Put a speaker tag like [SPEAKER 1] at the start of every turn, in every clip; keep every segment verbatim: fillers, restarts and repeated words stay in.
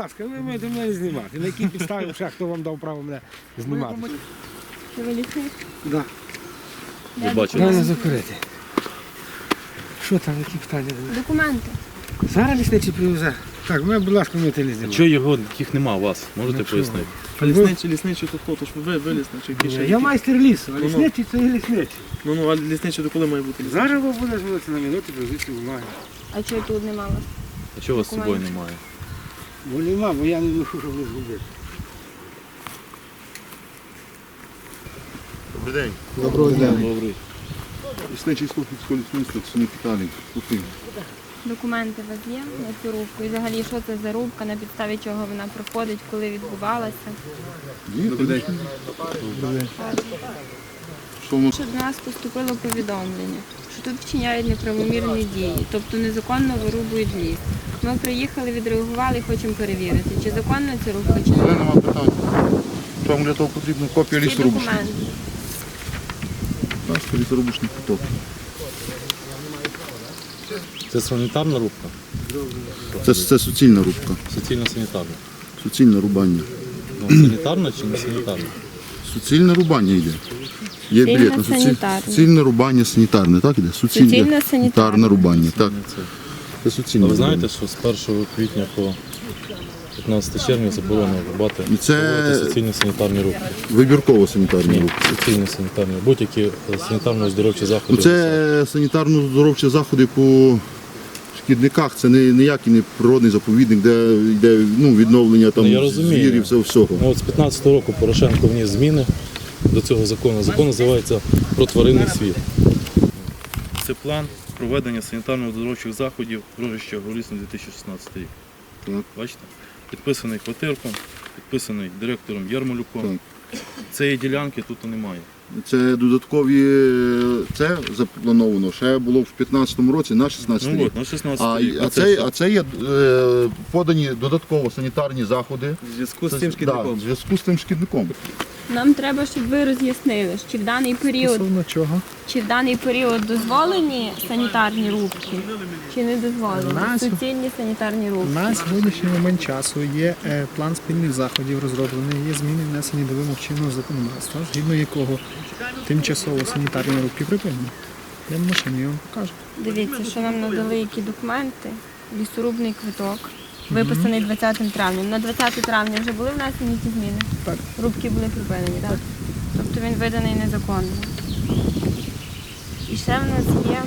[SPEAKER 1] ласка, ви маєте мене знімати. На якій підставі, ще хто вам дав право мене знімати?
[SPEAKER 2] Чи ви лісник?
[SPEAKER 1] Так.
[SPEAKER 3] Ви бачите?
[SPEAKER 1] Треба закурити. Що там, які питання?
[SPEAKER 2] Документи.
[SPEAKER 1] Зараз лісничий привезе. Так, мене, будь ласка, ми телі знімати.
[SPEAKER 3] Чого його, їх нема у вас? Можете
[SPEAKER 1] Ну,
[SPEAKER 3] пояснити?
[SPEAKER 4] А лісничий, лісничий то хто? То ж ви, ви лісничий. який ще
[SPEAKER 1] Я
[SPEAKER 4] який?
[SPEAKER 1] майстер лісу, а
[SPEAKER 4] Ну-ну.
[SPEAKER 1] лісничий це і лісничий.
[SPEAKER 4] Ну, ну, а лісничий до коли має бути лісничий?
[SPEAKER 1] Зараз ви буде зводитися на минуті, привезти бумаги.
[SPEAKER 2] А чого тут не мало?
[SPEAKER 3] А чого у вас з собою
[SPEAKER 2] Документи.
[SPEAKER 3] немає?
[SPEAKER 1] Бо нема, бо я не ношу, щоб не згубити.
[SPEAKER 5] Добрий день.
[SPEAKER 1] Доброго дня.
[SPEAKER 3] Добрий.
[SPEAKER 5] Лісничий Слухівського лісництва, це не питання. Слухів.
[SPEAKER 2] Документи у вас є на цю рубку? І взагалі, що це за рубка, на підставі чого вона проходить, коли відбувалася?
[SPEAKER 5] Добрий день. Що ми...
[SPEAKER 2] Що до нас поступило повідомлення, що тут вчиняють неправомірні дії, тобто незаконно вирубують ліс. Ми приїхали, відреагували і хочемо перевірити, чи законна ця рубка, чи
[SPEAKER 5] Але
[SPEAKER 2] не.
[SPEAKER 5] нема питань. Що вам для того потрібна копія
[SPEAKER 2] Ці
[SPEAKER 5] лісорубушних?
[SPEAKER 2] документи.
[SPEAKER 5] Бачите, лісорубушних куток.
[SPEAKER 3] Це санітарна рубка?
[SPEAKER 5] Це, це суцільна рубка.
[SPEAKER 3] Суцільно санітарна.
[SPEAKER 5] Суцільне рубання.
[SPEAKER 3] Ну, санітарна чи не санітарна?
[SPEAKER 5] Суцільне рубання йде. Є
[SPEAKER 2] Суцільне
[SPEAKER 5] білет на суціль...
[SPEAKER 2] санітарне.
[SPEAKER 5] суцільне рубання санітарне, так іде?
[SPEAKER 2] Суцільне санітарне.
[SPEAKER 5] рубання, так.
[SPEAKER 3] Не це.
[SPEAKER 5] Це суцільне
[SPEAKER 3] А ви
[SPEAKER 5] рубання.
[SPEAKER 3] знаєте, що з першого квітня по п'ятнадцяте червня заборонено рубати
[SPEAKER 5] І це-
[SPEAKER 3] проводити суцільні санітарні рубки?
[SPEAKER 5] Вибірково санітарна
[SPEAKER 3] Ні,
[SPEAKER 5] рубка.
[SPEAKER 3] суцільні санітарні. Будь-які санітарно-оздоровчі
[SPEAKER 5] Ну,
[SPEAKER 3] заходи.
[SPEAKER 5] це санітарно-здоровчі заходи по шкідниках, це не ніякий не природний заповідник, де йде ну, відновлення там,
[SPEAKER 3] Ну, я розумію.
[SPEAKER 5] звірів, все, всього.
[SPEAKER 3] Ну, от з п'ятнадцятого року Порошенко вніс зміни до цього закону. Закон називається «Про тваринний світ». Це план проведення санітарно-оздоровчих заходів Рожища Горолісне дві тисячі шістнадцятий рік.
[SPEAKER 5] Так.
[SPEAKER 3] Бачите? Підписаний Котирком, підписаний директором Ярмолюком.
[SPEAKER 5] Так.
[SPEAKER 3] Цієї ділянки тут немає.
[SPEAKER 5] Це додаткові, це заплановано, ще було в п'ятнадцятому році на шістнадцятий
[SPEAKER 3] Ну
[SPEAKER 5] рік.
[SPEAKER 3] от, на
[SPEAKER 5] А,
[SPEAKER 3] шістнадцятий рік.
[SPEAKER 5] а,
[SPEAKER 3] Оце
[SPEAKER 5] це,
[SPEAKER 3] що?
[SPEAKER 5] а це є е, подані додатково санітарні заходи.
[SPEAKER 4] В зв'язку з
[SPEAKER 5] Це-
[SPEAKER 4] цим
[SPEAKER 5] да,
[SPEAKER 4] шкідником.
[SPEAKER 5] в зв'язку з тим шкідником.
[SPEAKER 2] Нам треба, щоб ви роз'яснили, чи в даний період,
[SPEAKER 6] Стосовно чого?
[SPEAKER 2] чи в даний період дозволені санітарні рубки, чи не дозволені.
[SPEAKER 6] Нас-
[SPEAKER 2] Суцільні санітарні рубки.
[SPEAKER 6] На сьогоднішній момент часу є е, план спільних заходів розроблений, є зміни внесені до вимог чинного законодавства, згідно якого тимчасово санітарні рубки припинені. Я в машині я вам покажу.
[SPEAKER 2] Дивіться, що нам надали які документи. Лісорубний квиток, виписаний двадцятого травня. На двадцяте травня вже були внесені ті зміни?
[SPEAKER 6] Так.
[SPEAKER 2] Рубки були припинені, так? Тобто він виданий незаконно. І ще в нас є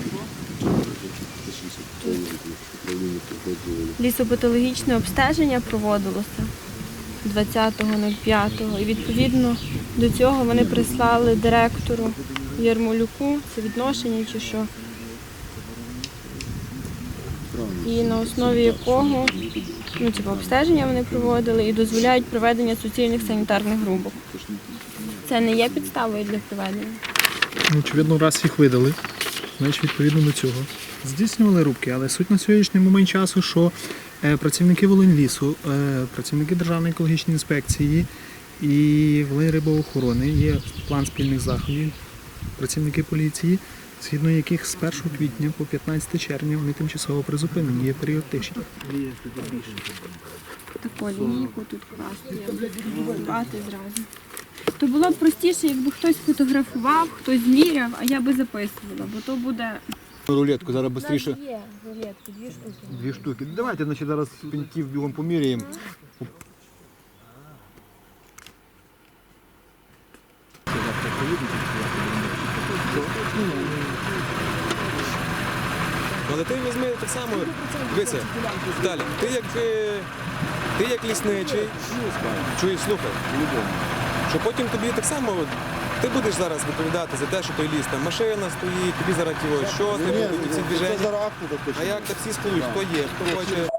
[SPEAKER 2] лісопатологічне обстеження проводилося двадцятого п'ятого. І відповідно до цього вони прислали директору Ярмолюку, це відношення чи що. І на основі якого ну, типу, обстеження вони проводили і дозволяють проведення суцільних санітарних рубок. Це не є підставою для проведення.
[SPEAKER 6] Ну, очевидно, раз їх видали, значить відповідно до цього. Здійснювали рубки, але суть на сьогоднішній момент часу, що е, працівники Волиньлісу, е, працівники Державної екологічної інспекції і Волиньрибоохорони є план спільних заходів, працівники поліції, згідно яких з першого квітня по п'ятнадцяте червня вони тимчасово призупинені, є період тиші.
[SPEAKER 2] Таку лінійку тут класти, бати зразу. То було б простіше, якби хтось фотографував, хтось зміряв, а я би записувала, бо то буде...
[SPEAKER 7] Рулетку зараз швидше.
[SPEAKER 2] Є рулетки, дві штуки.
[SPEAKER 7] Дві штуки. Давайте значить, зараз пеньків бігом поміряємо. Але ти візьми так само, дивися, далі. Ти як, е, ти як лісничий, чуєш, слухай, що потім тобі так само, ти будеш зараз відповідати за те, що той ліс, там машина стоїть, тобі зараз ті, що ти будуть ці движення. А як таксі сплуть, хто є, хто хоче.